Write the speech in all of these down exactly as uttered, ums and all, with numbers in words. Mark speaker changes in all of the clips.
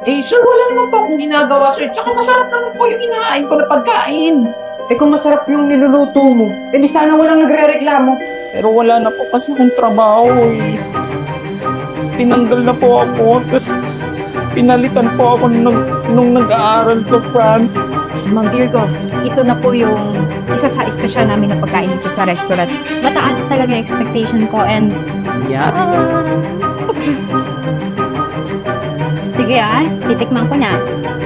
Speaker 1: Eh, sir, wala naman po akong ginagawa, sir. Tsaka masarap naman po yung inahain ko na pagkain.
Speaker 2: Eh kung masarap yung niluluto mo, eh di sana walang nagre-reklamo.
Speaker 1: Pero wala na po kasi akong trabaho, eh. Tinanggal na po ako, tapos pinalitan po ako nung, nung nag-aaral sa France.
Speaker 3: Mang Virgo, ito na po yung isa sa espesyal namin na pagkain dito sa restaurant. Mataas talaga yung expectation ko and...
Speaker 1: Yeah.
Speaker 3: Sige ah, titikman ko na.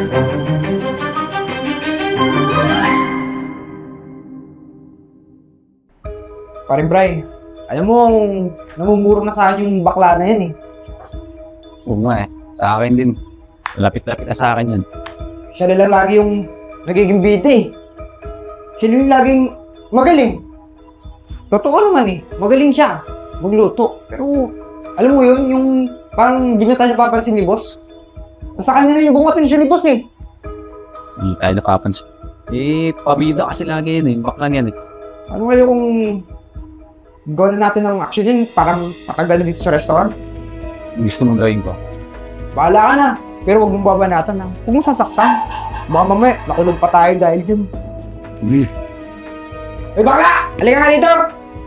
Speaker 2: Paring Bray, alam mo, namumuro na sa akin yung bakla na yan eh.
Speaker 4: Oo nga eh. Sa akin din. Lapit-lapit na sa akin yun.
Speaker 2: Siya na lang lagi yung nagiging bida eh. Siya na yung laging magaling. Totoo naman eh, magaling siya magluto. Pero, alam mo yun, yung parang di na tayo papansin ni boss. Nasa kanya na yung bungatin siya ni boss eh.
Speaker 4: Hindi tayo napapansin. Eh, pabida kasi lagi yun eh. Bakla yan eh.
Speaker 2: Ano kaya kung gawin natin ng action yun, parang patagal na dito sa restaurant?
Speaker 4: Gusto mong gawin ko.
Speaker 2: Bahala ka na, pero huwag mong babanatan na. Huwag mong sasaktan. Baka mamaya, nakulog pa tayo dahil dyan.
Speaker 4: Sige.
Speaker 2: Eh baka! Halika ka dito!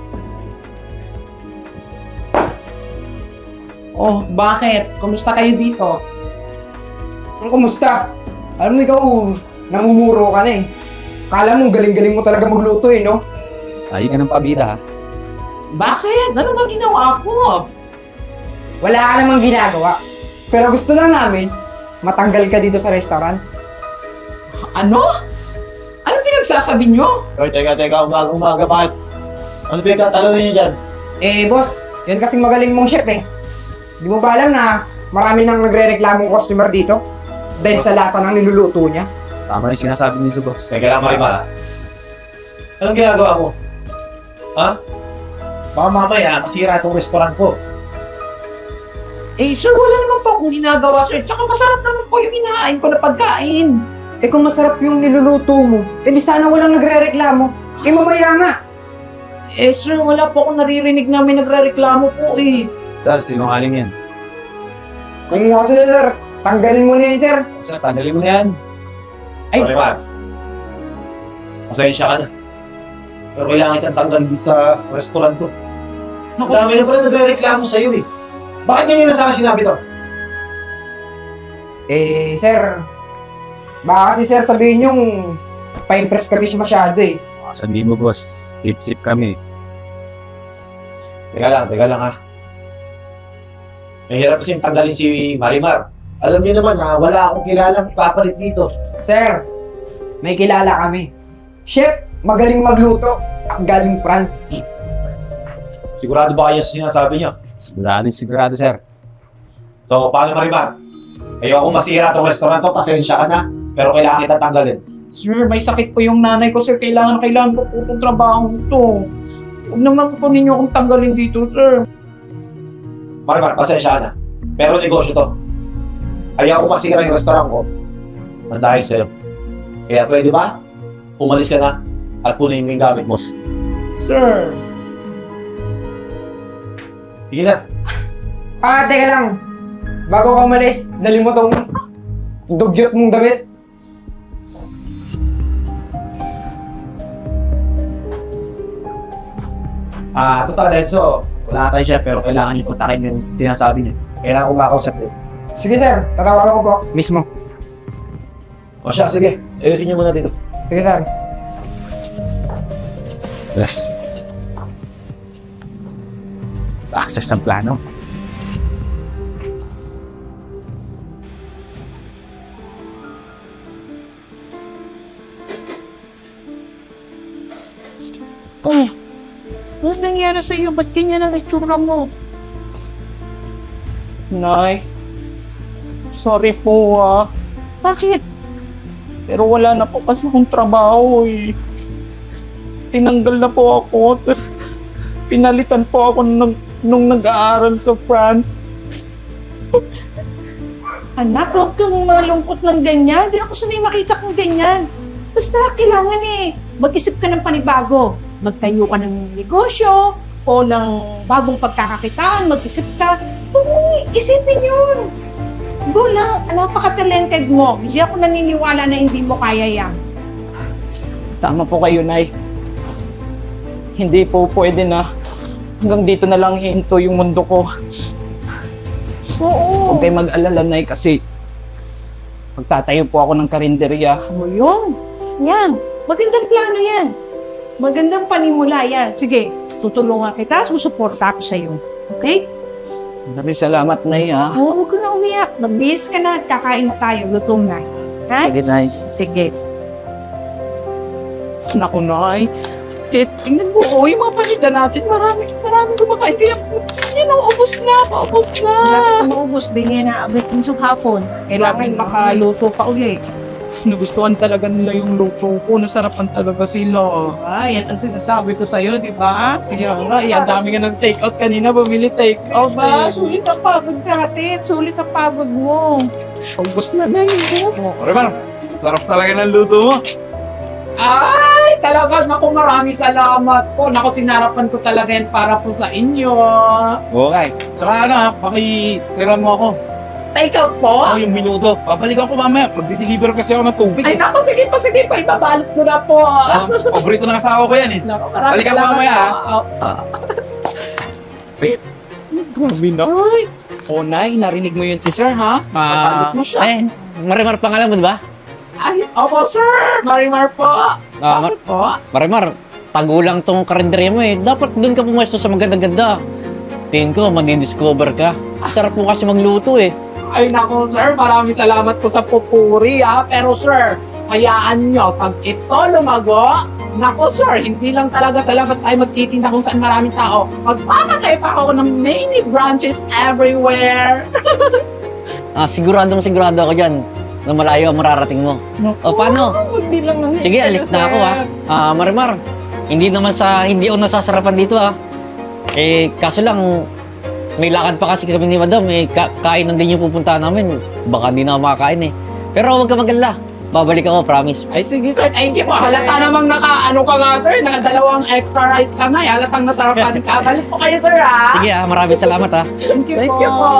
Speaker 1: Oh, bakit? Kumusta kayo dito?
Speaker 2: Ang kumusta? Alam mo ikaw, namumuro ka na eh. Kala mo, galing-galing mo talaga magluto eh, no?
Speaker 4: Ayaw ka ng pabida ha.
Speaker 1: Bakit? Ano ba ginawa ko?
Speaker 2: Wala ka namang ginagawa. Pero gusto lang namin, matanggal ka dito sa restaurant.
Speaker 1: Ano? Ano pinagsasabi nyo?
Speaker 5: Hoy, teka, teka, umaga-umaga, bakit? Ano pinagtatalo niyo dyan?
Speaker 2: Eh, boss, yan kasing magaling mong chef eh. Di mo ba alam na marami nang nagre-reklamong customer dito? Dahil sa lasa ng niluluto niya?
Speaker 4: Tama yung sinasabi niyo, boss.
Speaker 5: Teka lang, Marima. Anong ginagawa mo? Ha? Baka mamaya, masira itong restaurant ko.
Speaker 1: Eh, sir, wala naman po akong ginagawa, sir. Tsaka masarap naman po yung inahain ko na pagkain.
Speaker 2: Eh kung masarap yung niluluto mo, eh di sana walang nagre-reklamo. Eh mamaya nga!
Speaker 1: Eh, sir, wala po akong naririnig na may nagre-reklamo po, eh.
Speaker 4: Sir, sinungaling yan.
Speaker 2: Kung nga sila, sir, tanggalin mo na yan, sir.
Speaker 4: Sir, tanggalin mo na yan.
Speaker 1: Ay.
Speaker 5: Marima, pasensya ka na. Pero kailangan kitang tanggalin sa restaurant ko. Ang
Speaker 1: Naku,
Speaker 5: dami na pala nagre-reklamo sa'yo eh. Bakit ganyan na sa akin sinabi to?
Speaker 2: Eh, sir, baka kasi sir sabihin yung pa-impress kami siya masyado eh.
Speaker 4: Sabihin mo, boss. Sip-sip kami.
Speaker 5: Teka lang, teka lang ha. Mahirap kasi tanggalin si Marimar. Alam niyo naman ha, wala akong kilalang papalit dito.
Speaker 2: Sir, may kilala kami. Chef, magaling magluto. Ang galing France.
Speaker 5: Sigurado ba kayo sa sinasabi niyo?
Speaker 4: Sigurado, sigurado, sir.
Speaker 5: So, paano Marimar? Ayoko masira tong restaurant to, pasensya ka na. Pero kailangan kita tanggalin.
Speaker 1: sir, may sakit po yung nanay ko, sir. Kailangan, kailangan ko po itong trabaho to. Huwag naman po ninyo akong tanggalin dito, sir.
Speaker 5: Marimar, pasensya ka na. Pero negosyo to. Ayoko masira yung restaurant ko. Ang dahil sa'yo. Kaya pwede ba? Umalis ka na at punin mo yung gamit mo.
Speaker 1: Sir.
Speaker 5: Sige na.
Speaker 2: Ah, teka lang. Bago ka umalis, dali mo tong dugyot mong damit.
Speaker 5: Ah, total Enzo, wala tayo siya pero kailangan niyo puntakin yung tinasabi niyo. Kailangan ko makausap niyo.
Speaker 2: Sige sir, tatawagan ko po. Mismo.
Speaker 5: O siya, sige. Ayusin niyo muna dito.
Speaker 2: Sige sir.
Speaker 4: Yes. Access ng plano.
Speaker 1: Oh, ano nangyari sa iyo? Ba't ganyan ang itsura mo? Nay, sorry po ah. Bakit? Pero wala na po kasi akong trabaho eh. Tinanggal na po ako. Tapos pinalitan po ako nung, nung nag-aaral sa France. Anak, huwag kang malungkot ng ganyan. Hindi ako sanay makita kang ganyan. Basta kailangan eh, mag-isip ka ng panibago. Magtayo ka ng negosyo o ng bagong pagkakakitaan, mag-isip ka. Oo, isipin yun.
Speaker 6: go lang. Napaka-talented mo. Hindi ako naniniwala na hindi mo kaya yan.
Speaker 1: Tama po kayo, Nay. Hindi po pwede na hanggang dito na lang hihinto yung mundo ko.
Speaker 6: Oo.
Speaker 1: Huwag kayo mag-alala, Nay, kasi magtatayo po ako ng karinderya.
Speaker 6: O yun. Yan. Magandang plano yan. Magandang panimula yan. Sige, tutulungan kita. Susuporta ako sa'yo. Okay?
Speaker 1: Maraming salamat, Nay, ha?
Speaker 6: Oo, huwag ka na umiyak. Magbihis ka na at kakain tayo. Lutong na. Ha?
Speaker 1: Sige, Nay.
Speaker 6: Sige.
Speaker 1: Naku, Nay. Tit, tingnan mo, oh, yung mga paninda natin, marami, marami kumakain. Kaya, yan, naubos na, naubos na.
Speaker 6: Wala ka maubos. Bigyan na abit yung hapon. Kailangan makaluto pa ulit.
Speaker 1: Nagustuhan talaga nila yung luto ko. Nasarapan talaga sila.
Speaker 6: Ay, yan ang sinasabi ko sa'yo, di ba?
Speaker 1: Kaya nga, eh, ang dami nga ng take-out kanina. Bumili take-out.
Speaker 6: Ba,
Speaker 1: Eh.
Speaker 6: sulit ang pagod natin. Sulit ang pagod mo.
Speaker 1: Ubus na na yun.
Speaker 7: Remar, sarap talaga ng luto mo.
Speaker 1: Ay, talaga. Naku, maraming salamat po. Naku, sinarapan ko talaga yan para po sa inyo.
Speaker 7: Okay. Tsaka ano ha, pakitiran mo ako.
Speaker 1: Take-out po?
Speaker 7: Ako yung minuto. Babalikan ko mamaya. Magdi-deliver kasi ako ng tubig
Speaker 1: Ay,
Speaker 7: eh.
Speaker 1: naku, sige po, sige po. Ibabalot ko na po.
Speaker 7: Ah, paborito ng asawa ko yan eh.
Speaker 1: Naku, maraming
Speaker 7: Balikan mo
Speaker 1: salamat
Speaker 7: mamaya,
Speaker 1: po.
Speaker 7: ha?
Speaker 1: Ah, ah. Grabe na. Ay. Oh, Nay, narinig mo yun si Sir, ha? Ibabalot mo siya.
Speaker 8: Eh, Marimar pangalan mo, di ba?
Speaker 1: Ay, opo, Sir. Marimar po.
Speaker 8: Ah, Mar-
Speaker 1: Bakit po?
Speaker 8: Marimar, tagulang tong karinderya mo eh. Dapat doon ka pumesto sa maganda-ganda. Tingin ko, madidiscover ka. Sarap mo kasi magluto eh.
Speaker 1: Ay, naku, Sir. Maraming salamat po sa pupuri, ha? Pero, Sir, hayaan nyo, pag ito lumago, naku, Sir, hindi lang talaga sa labas tayo magtitinda kung saan maraming tao. Magpapatay pa ako ng many branches everywhere.
Speaker 8: Ah, siguradong sigurado ako dyan na malayo ang mararating mo. O, paano?
Speaker 6: Hindi lang ang
Speaker 8: Sige, alis na ako ha. Ah, Marimar, hindi naman sa hindi ako nasasarapan dito ha. Eh, kaso lang, may lakad pa kasi kami ni Madam. Eh, ka kainan din yung pupuntahan namin. Baka di na ako makakain eh. Pero huwag ka magalala. Babalik ako, promise.
Speaker 1: Ay, sige, Sir. Ay, sige po. Halata namang naka, ano ka nga, Sir. Nakadalawang extra rice ka nga. eh. Halatang nasarapan ka. Balik po kayo, Sir, ha?
Speaker 8: Sige ha, maraming salamat ha.
Speaker 6: Thank you
Speaker 1: Thank
Speaker 6: po.
Speaker 1: you po.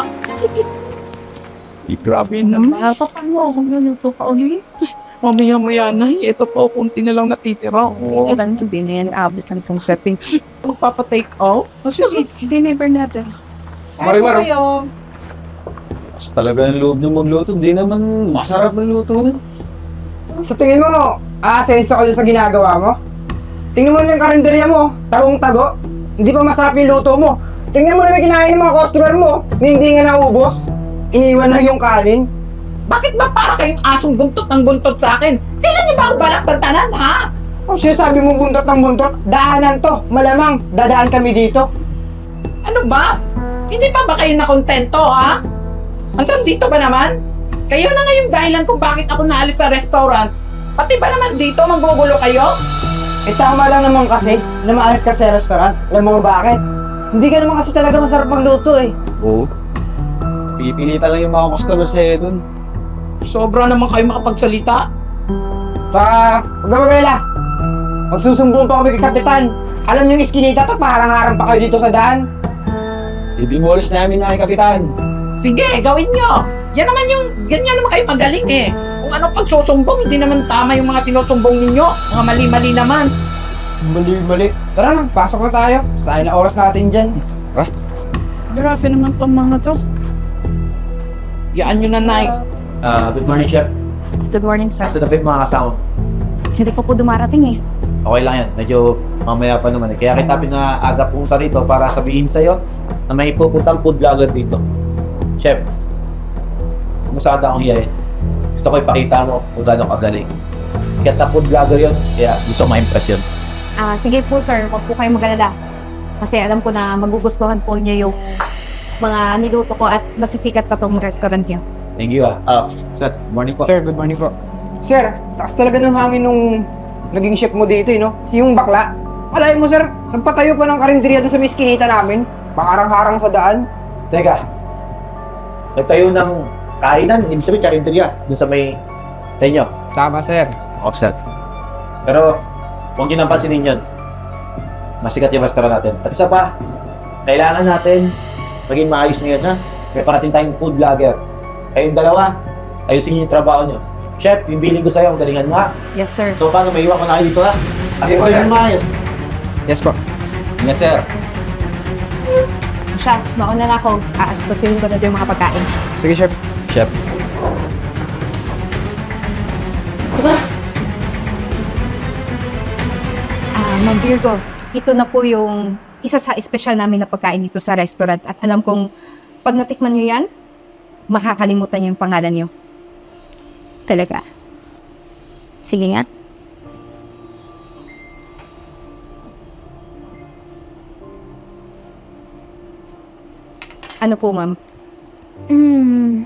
Speaker 7: Grabe
Speaker 1: Ah, paano ako naluto ka ulit? Mamaya-maya na. Ito po, kunti na lang natitira. Oh.
Speaker 3: Ilan to din yan, abot lang itong setting.
Speaker 1: Magpapa-take out?
Speaker 6: Sige, deliver natin.
Speaker 7: Marimar.
Speaker 6: Ay, kayo.
Speaker 4: Mas talaga ng loob ng magluto. Hindi naman masarap ng luto na.
Speaker 2: Sa tingin mo, aasenso ka dyan sa ginagawa mo? Tingnan mo na yung karinderya mo, tagong-tago. Hindi pa masarap yung luto mo. Tingnan mo na yung kinain ng mga customer mo, na hindi nga naubos. Iniwan na yung kanin.
Speaker 1: Bakit ba para kayong asong buntot ng buntot sa akin? Kailan niyo ba ang balak ng tanan, ha?
Speaker 2: Kung sinasabi mo buntot ng buntot, daanan to. Malamang, dadaan kami dito.
Speaker 1: Ano ba? Hindi pa ba kayo nakontento, ha? Hanggang dito ba naman? Kayo na nga yung dahilan kung bakit ako naalis sa restaurant. Pati ba naman dito magugulo kayo?
Speaker 2: Eh tama lang naman kasi na maalis ka sa restaurant. Alam mo bakit? Hindi ka naman kasi talaga masarap magluto eh.
Speaker 4: Oo. Pipilitan lang yung mga customer sa'yo dun.
Speaker 1: Sobra naman kayo makapagsalita.
Speaker 2: Pa, huwag ka magalala. Magsusumbong pa kami kay Kapitan. Alam niyo yung iskinita to, paharang-harang pa kayo dito sa daan.
Speaker 4: I-demolish namin na kay Kapitan.
Speaker 1: Sige, gawin nyo. Yan naman yung, ganyan naman kayo magaling eh. Kung anong pagsusumbong, hindi naman tama yung mga sinusumbong ninyo. Mga mali-mali naman.
Speaker 2: Mali-mali. Tara na, pasok na tayo. Sayang na oras natin dyan.
Speaker 6: Grabe naman itong mga to.
Speaker 1: Yaan nyo na, Nay.
Speaker 5: Ah, good morning, Chef.
Speaker 3: Good morning, sir.
Speaker 5: Asa na ba yung mga kasama?
Speaker 3: Hindi pa po dumarating eh.
Speaker 5: Okay lang yan. Medyo mamaya pa naman. eh. Kaya kita pinaaga punta rito para sabihin sa'yo na may pupuntang food vlogger dito. Chef, masada akong hiyain. Gusto ko ipakita mo kung gano'ng kagaling. Sikat na food vlogger yun, kaya gusto ko ma-impress yun.
Speaker 3: Ah, sige po, sir. Huwag po kayo magalala. Kasi alam ko na magugustuhan po niyo yung mga niluto ko at masisikat pa tong restaurant niyo.
Speaker 5: Thank you ah. Ah, sir, morning po.
Speaker 2: Sir, good morning po. Sir, takas talaga ng hangin nung naging chef mo dito eh, no? Yung bakla. Alay mo, sir, nagpatayo pa ng karinderya doon sa miskinita namin. Pakarang-harang sa daan.
Speaker 5: Teka, nagtayo ng kainan, ibig sabihin karinderya, dun sa may tenyo.
Speaker 2: Tama, sir.
Speaker 5: Offset. Pero, huwag nyo nang pansinin yun. Masikat yung restaurant natin. At isa pa, kailangan natin maging maayos ngayon, ha? May parating tayong food vlogger. Kayong dalawa, ayusin niyo yung trabaho niyo. Chef, yung billing ko sa'yo, ang galingan nga.
Speaker 3: Yes, sir.
Speaker 5: So, paano may iwan ko na kayo dito ha? Kasi
Speaker 2: Yes,
Speaker 5: ko
Speaker 2: sir.
Speaker 5: yung maayos.
Speaker 4: Yes po. Yes, sir.
Speaker 3: Siya, mauna na ako. Aaspasuhin ko na yung mga pagkain.
Speaker 4: Sige, chef. Chef.
Speaker 3: Ah, Ma'am Virgo, ito na po yung isa sa espesyal namin na pagkain dito sa restaurant. At alam kong pag natikman nyo yan, makakalimutan nyo yung pangalan nyo. Talaga. Sige nga. Ano po, ma'am? Hmm.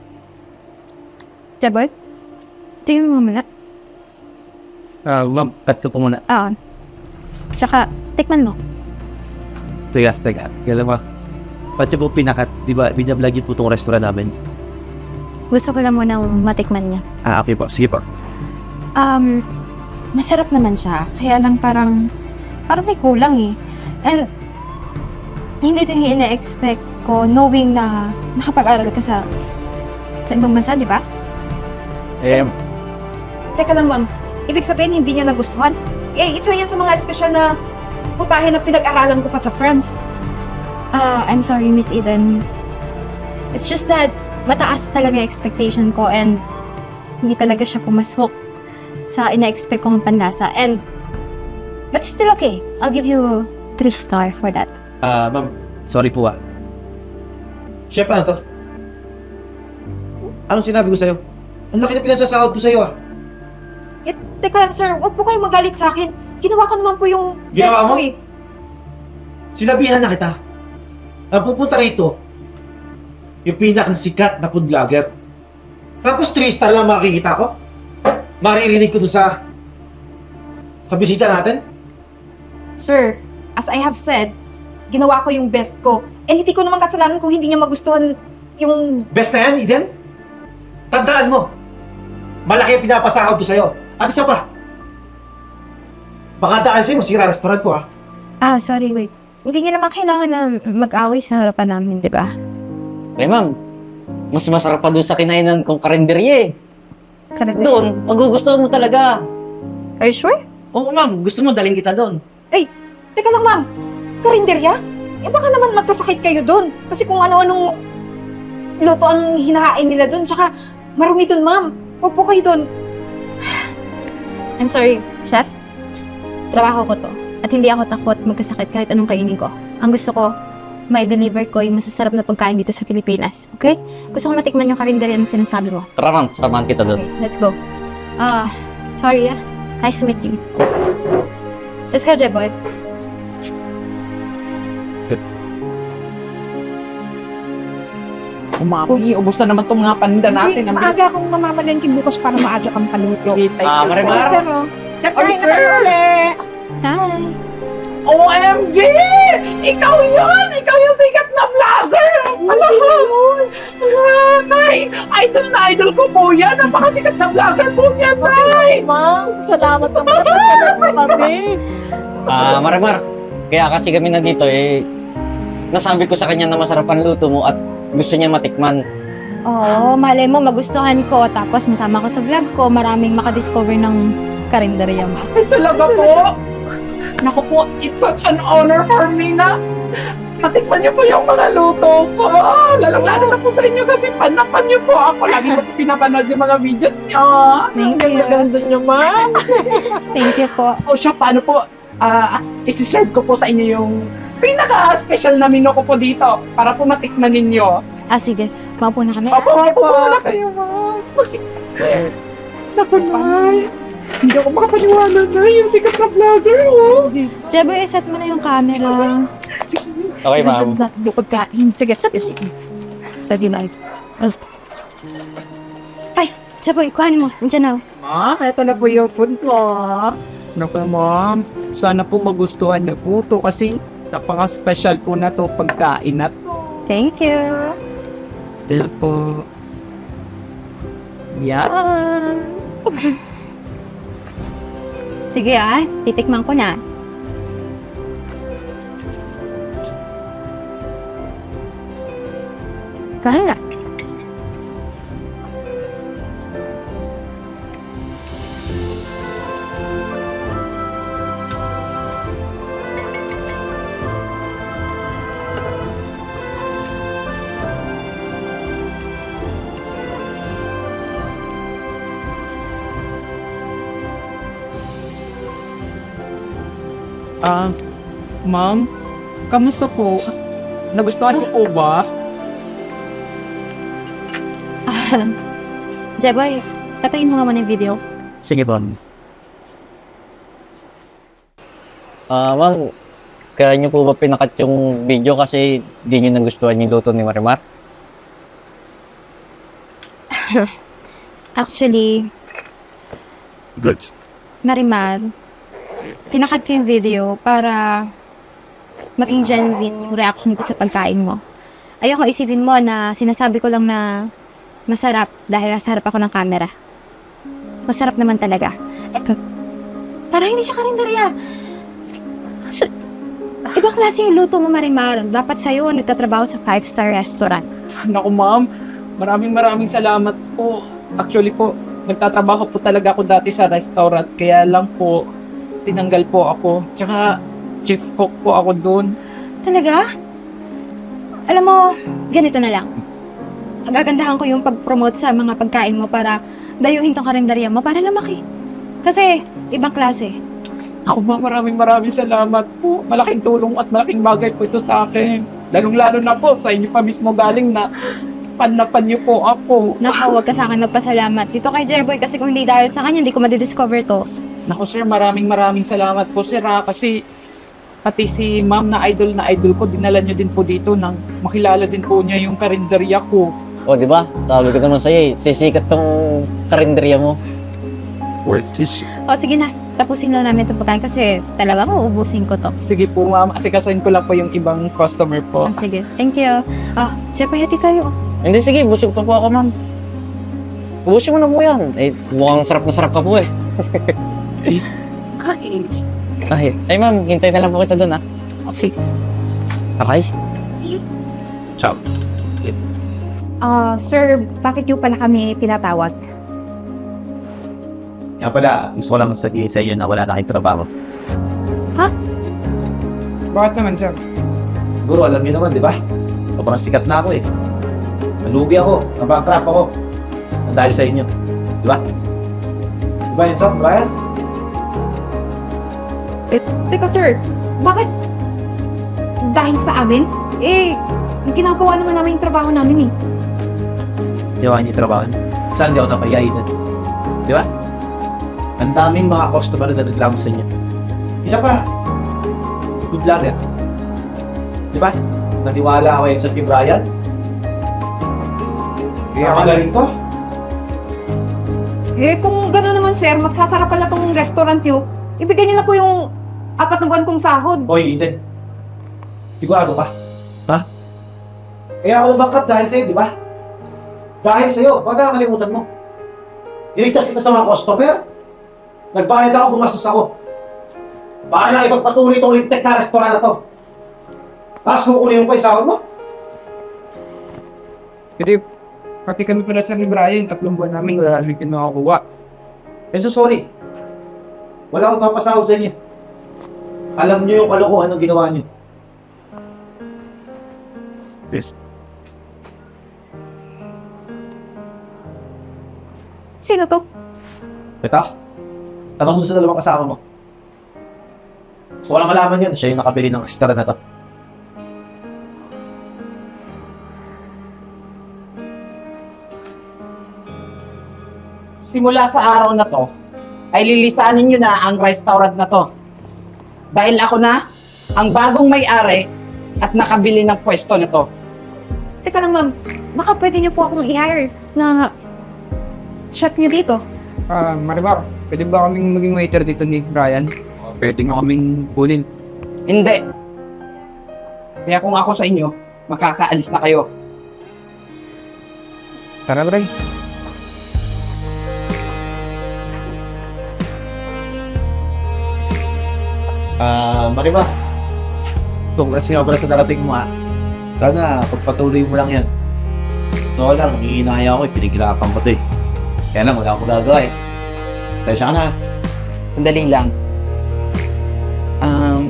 Speaker 3: Jaboy? Tingnan mo muna.
Speaker 4: Ah, ma'am, cut ko po muna.
Speaker 3: Oo. Tsaka, tikman mo.
Speaker 4: Teka, teka. Kaya mo, ba't yung po pinakat? Di ba, binablog yun po itong restaurant namin?
Speaker 3: Gusto ko lang munang matikman niya.
Speaker 4: Ah, okay po. Sige po.
Speaker 3: Um, masarap naman siya. Kaya lang parang, parang may kulang eh. And, hindi din yung ina-expect ko knowing na nakapag-aral ka sa, sa ibang bansa, di ba?
Speaker 4: Eh,
Speaker 3: Teka lang, ma'am. Ibig sabihin, hindi niyo nagustuhan? Eh, isa yan sa mga espesyal na putahe na pinag-aralan ko pa sa France. Ah, I'm sorry, Miss Eden. It's just that mataas talaga yung expectation ko and hindi talaga siya pumasok sa ina-expect kong panlasa. And, but still okay. I'll give you three star for that.
Speaker 5: Ah, ma'am, sorry po ah. Chef, ano to? Anong sinabi ko sa'yo? Ang laki na pinasasahod ko sa'yo ah.
Speaker 3: Eh, teka lang, sir. Huwag po kayong magalit sa akin. Ginawa ko naman po yung
Speaker 5: Ginawa
Speaker 3: best
Speaker 5: mo?
Speaker 3: ko eh.
Speaker 5: Sinabihan na kita. Ang pupunta rito, yung pinakang sikat na food vlogger. Tapos three star lang makikita ko. Maririnig ko doon sa sa bisita natin.
Speaker 3: Sir, as I have said, ginawa ko yung best ko. And hindi ko naman kasalanan kung hindi niya magustuhan yung...
Speaker 5: Best na yan, Eden. Tandaan mo, malaki ang pinapasahod ko sa'yo. At isa pa, baka dahil sa'yo, masira restaurant ko ah.
Speaker 3: Ah, sorry, wait. Hindi niya naman kailangan na mag-away sa harapan namin, di ba?
Speaker 8: Eh, ma'am, mas masarap pa doon sa kinainan kong karinderya eh.
Speaker 3: Correct.
Speaker 8: Doon, magugustuhan mo talaga.
Speaker 3: Are you sure?
Speaker 8: Oo, ma'am, gusto mo dalhin kita doon.
Speaker 3: Teka lang, ma'am. Karinderya? Eh, baka naman magkasakit kayo doon. Kasi kung ano-anong luto ang hinahain nila doon. Tsaka, marumi doon, ma'am. Huwag po kayo doon. I'm sorry, chef. Trabaho ko to. At hindi ako takot magkasakit kahit anong kainin ko. Ang gusto ko, may deliver ko yung masasarap na pagkain dito sa Pilipinas. Okay? Gusto ko matikman yung karinderya na sinasabi mo.
Speaker 8: Tara, ma'am, samahan kita doon.
Speaker 3: Okay, let's go. Ah, sorry ah. Nice to meet you. Let's go, Jeboy.
Speaker 1: Umami, ubos na naman itong mga paninda natin.
Speaker 6: Hindi,
Speaker 1: Ang
Speaker 6: maaga akong mamamalengke bukas para maaga kang paluto.
Speaker 1: bilis.
Speaker 8: Ah, Marimar.
Speaker 6: Sir, oh. Sir,
Speaker 1: Ay,
Speaker 6: kain na
Speaker 1: sir.
Speaker 6: kayo ulit.
Speaker 3: Hi!
Speaker 1: O M G! Ikaw yun! Ikaw yung sikat na vlogger! Ano mo? Nay! Idol na idol ko po yan! Napakasikat na vlogger po niya, Nay!
Speaker 6: Ma'am, salamat naman. Salamat mo kami.
Speaker 8: Ah, Marimar, kaya kasi kami nandito eh, nasabi ko sa kanya na masarap ang luto mo at gusto niya matikman.
Speaker 3: Oo, malay mo, magustuhan ko. Tapos masama ko sa vlog ko, maraming makadiscover ng karinderya mo.
Speaker 1: Ay, talaga po! Naku po, it's such an honor for me na matikman niyo po yung mga luto ko. Lalong-lalo na po sa inyo kasi fan na fan niyo po ako. Lagi ko po pinapanood yung mga videos niyo.
Speaker 3: Thank you.
Speaker 6: Ganda niyo, ma'am.
Speaker 3: Thank you po.
Speaker 1: O siya, paano po? Ah, isi-serve ko po sa inyo yung pinaka-special na menu ko po dito para po matikman ninyo.
Speaker 3: Ah, sige. Paupo na kami.
Speaker 1: Opo, opo, muna kayo, ma'am. Naku, Nay. Hindi ako makapaniwala na yung sikat na vlogger, oh.
Speaker 3: Jeboy, set mo na yung camera.
Speaker 1: Sige.
Speaker 8: Okay, ma'am.
Speaker 3: Bukod kain. Sige, sige, sige. Sige, na. Ay, Jeboy, kuhanin mo. Nandiyan na.
Speaker 1: Ma'am, eto na po yung food ko. Naku, ma'am. Sana po magustuhan na po to kasi napaka-special po na to pagkain na to.
Speaker 3: Thank you.
Speaker 1: Dito po. Yan.
Speaker 3: Ah. Sige ah, titikman ko na. Kaya na.
Speaker 1: Ah, ma'am, kamusta po? Nagustuhan niyo po ba?
Speaker 9: Ah, Jeboy, patayin mo nga muna yung video.
Speaker 4: Sige po.
Speaker 8: Ah, ma'am, kaya niyo po ba pinakat yung video kasi di niyo nagustuhan yung luto ni Marimar?
Speaker 9: Actually,
Speaker 4: Good.
Speaker 9: Marimar, pinakat ko yung video para maging genuine yung reaction ko sa pagkain mo. Ayoko isipin mo na sinasabi ko lang na masarap dahil nasa harap ako ng camera. Masarap naman talaga. Eto, parang hindi siya karinderya. Sa- Ibang klase yung luto mo, Marimar. Dapat sa'yo, nagtatrabaho sa five-star restaurant.
Speaker 1: Naku ma'am, maraming maraming salamat po. Actually po, nagtatrabaho po talaga ako dati sa restaurant. Kaya lang po, tinanggal po ako. Tsaka, chief cook po ako doon.
Speaker 9: Talaga? Alam mo, ganito na lang. Agagandahan ko yung pag-promote sa mga pagkain mo para dayuhin tong karinderya mo para lumaki. Kasi, ibang klase.
Speaker 1: Ako ma'am, maraming maraming salamat po. Malaking tulong at malaking bagay po ito sa akin. Lalong-lalo na po, sa inyo pa mismo galing na fan na fan niyo po ako.
Speaker 9: Naku, huwag ka sa akin magpasalamat. Dito kay Jeboy kasi kung hindi dahil sa kanya, hindi ko madidiscover to.
Speaker 1: Naku sir, maraming maraming salamat po sir ha, kasi pati si ma'am na idol na idol ko, dinala niyo din po dito nang makilala din po niya yung karinderya ko.
Speaker 8: O, di ba? Sabi ko naman sa'yo eh, sisikat tong karinderya mo.
Speaker 4: Worth this.
Speaker 9: O sige na, tapusin na namin itong pagkain kasi talagang uubusin ko to.
Speaker 1: Sige po ma'am, asikasuhin ko lang po yung ibang customer po.
Speaker 9: Ah, sige, thank you. Ah, Jeboy, hati tayo.
Speaker 8: Hindi, sige, busog pa po ako, ma'am. Ubusin mo na po yan. Eh, mukhang sarap na sarap ka po eh. Ay, ay ma'am, hintay na lang po kita doon ah.
Speaker 1: Sige.
Speaker 8: Okay?
Speaker 4: Ciao.
Speaker 3: Ah, sir, bakit yung pala kami pinatawag?
Speaker 4: Kaya pala, gusto ko lang sabihin sa iyo na wala na kayong trabaho.
Speaker 2: Bakit naman, sir?
Speaker 5: Siguro, alam niyo naman, di ba? Sobrang sikat na ako eh. Nalugi ako, nabankrupt ako. Ang dahil sa inyo. Di ba? Di ba yun, Sam? Brian?
Speaker 3: Eh, teka sir, bakit dahil sa amin? Eh, ginagawa naman namin yung trabaho namin eh.
Speaker 4: Ginawa niyo yung trabaho niyo.
Speaker 5: Saan di ako napayain? Di ba? Ang daming mga customer na nagreklamo sa inyo. Isa pa, good vlogger. Di ba? Naniwala ako yan sa Team Brian. Kaya magaling to.
Speaker 3: Eh, kung gano'n naman sir, magsasara pala tong restaurant nyo, ibigay niyo na po yung apat na buwan kong sahod.
Speaker 5: Hoy, Eden. Sigurado ka? Ha? Kaya ako nabangkrut dahil sa'yo, di ba? Dahil sa'yo, baka nakakalimutan mo. Niligtas kita sa mga customer. Nagbayad ako, gumastos ako. Para na ipagpatuloy itong lintek na restaurant na to. Tapos kukunin mo pa yung sahod mo?
Speaker 2: Kasi, pati kami pala sa ni Brian, tatlong buwan namin wala kami kinukuha.
Speaker 5: Eh, so sorry. Wala akong papasahod sa inyo. Alam niyo yung kalokohan ng ginawa niyo.
Speaker 4: Yes.
Speaker 3: Sino to?
Speaker 5: Ito? Tanong mo sa dalawang kasama mo. Gusto ko lang malaman yun. Siya yung nakabili ng restaurant na to.
Speaker 1: Simula sa araw na to, ay lilisanin nyo na ang restaurant na to. Dahil ako na ang bagong may-ari at nakabili ng pwesto na to.
Speaker 3: Teka lang ma'am, baka pwede niyo po akong i-hire na chef niyo dito.
Speaker 2: Ah, Marimar, pwede ba kaming maging waiter dito ni Brian? Pwede nga kaming kunin.
Speaker 1: Hindi. Kaya kung ako sa inyo, makakaalis na kayo.
Speaker 2: Tara, Brian.
Speaker 5: Ah, Marima. Congrats nga pala sa darating mo ha. Sana pagpatuloy mo lang yan. Totoo lang, nangihinaya ako eh. Pinigilapan ko to eh. Kaya lang, wala akong gagawa eh. Sensya ka na.
Speaker 1: Sandali lang. Um,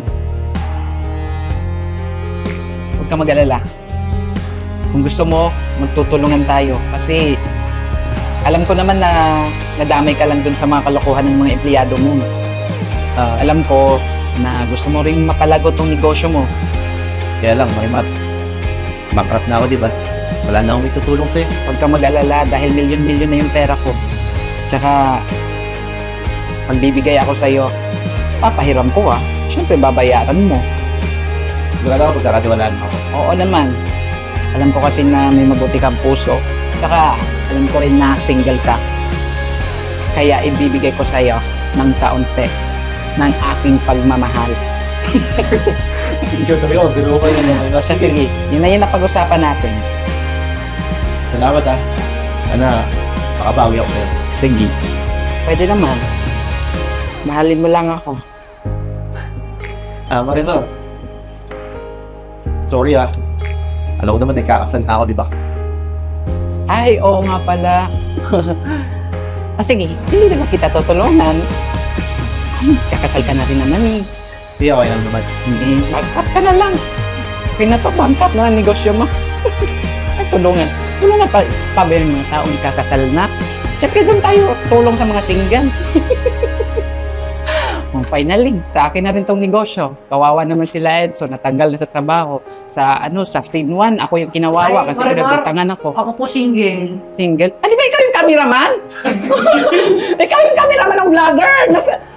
Speaker 1: huwag ka mag-alala. Kung gusto mo, magtutulungan tayo. Kasi alam ko naman na nadamay ka lang dun sa mga kalokohan ng mga empleyado mo. Ah, alam ko, na gusto mo ring mapalago tong negosyo mo.
Speaker 4: Kaya lang, Marimar, bankrupt na ako, di ba? Wala na akong itutulong sa'yo.
Speaker 1: Huwag ka mag-alala dahil milyon-milyon na yung pera ko. Tsaka, magbibigay ako sa'yo, papahiram ko ah. Siyempre, babayaran mo.
Speaker 5: Sigurado ako pagkakatiwalaan mo ako.
Speaker 1: Oo naman. Alam ko kasi na may mabuti kang puso. Tsaka, alam ko rin na single ka. Kaya ibibigay ko sa'yo ng kaunti ng aking pagmamahal.
Speaker 5: Ikaw talaga, biro ko yun.
Speaker 1: O siya, sige, yun na yun na pag-usapan natin.
Speaker 5: Salamat ah. Ana, makabawi ako sa'yo.
Speaker 1: Sige. Pwede naman. Mahalin mo lang ako.
Speaker 5: Ah, Marimar. Sorry ah. Alam ko naman, nagkakasal na ako, di ba?
Speaker 1: Ay, oo nga pala. Ah, sige, hindi naman kita tutulungan. Ay, kakasal ka na rin naman eh.
Speaker 5: Sige, okay lang naman.
Speaker 1: Hindi, bangkat ka na lang. Okay na to, bangkat na ang negosyo mo. Ay, tulungan. Tulungan pa, pa ba yung mga taong kakasal na? Siyempre doon tayo tulong sa mga single. Oh, finally, sa akin na rin tong negosyo. Kawawa naman sila Edso, natanggal na sa trabaho. Sa ano, sa scene one, ako yung kinawawa
Speaker 6: Ay,
Speaker 1: kasi
Speaker 6: Marimar.
Speaker 1: pinagbitangan ako.
Speaker 6: Ako po single.
Speaker 1: Single. Ano ba ikaw yung cameraman? Ikaw yung cameraman ng vlogger! Nasa,